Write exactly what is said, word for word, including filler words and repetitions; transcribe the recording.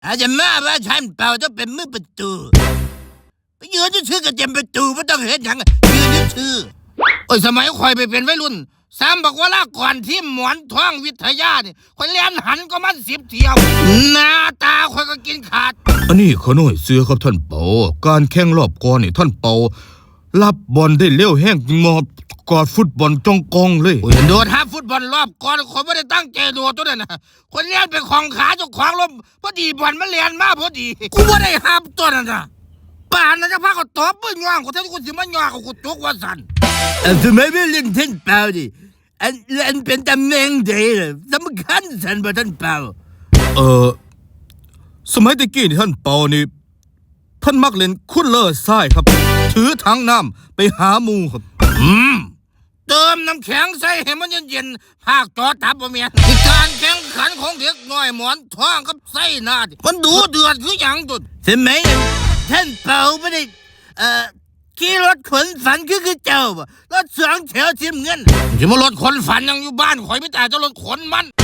อาจจะมาว่าฉันเปล่าต้องเป็นมือประตูไปยืนชื่อกับเต็มประตูไม่ต้องเห็นอย่างยืนชื่อโอ้ยสมัยคอยไปเป็นวัยรุ่นสามบอกว่าละก่อนที่หมอนท้องวิทยาเนี่ยคอยเลี้ยนหันก็มันสิบเที่ยวหน้าตาคอยก็กินขาดอันนี้ขน้อยเสือครับท่านเปาการแข่งรอบก่อนนี่ท่านเปารับบอลได้เร็วแห้งมอบกอดฟุตบอลจ้องกองเลยโอ้ยโดดฮับฟุตบอลรอบก่อนคนไม่ได้ตั้งใจโดดตัวนั้นนะคนเลี้ยนเป็นของขาเจ้าของลมพอดีบอลมันเลี้ยนมาพอดีกูไม่ได้ฮับตัวนั้นนะป่านนั้นจะพาเขาตบมือย่างกูแทนกูสิมันย่างกูจุกว่าสันทำไมไม่เล่นท่านเปล่าดิอันอันเป็นตำแหน่งเดียวสำคัญสันบ่ท่านเปล่าเออสมัยตะกี้นี่ท่านเปานี่ท่านมักเล่นคุ้นเลอร์ทรายครับถือถังน้ำไปหาหมูครับอืมเติมน้ำแข็งใส่ให้มันเย็นๆภาคจอตับบ่เมียการแข่งขันของเด็กน้อยหมอนท้องกับไส้หน้ามันดูเดือดคืออย่างตุดใช่ไหมท่านเปาไม่ได้เอ่อขี่รถขนฝันคือคือเจ้าบ่รถสองแถวสีเงินจะมารถขนฝันยังอยู่บ้านข่อยไม่แต่จะรถขนมัน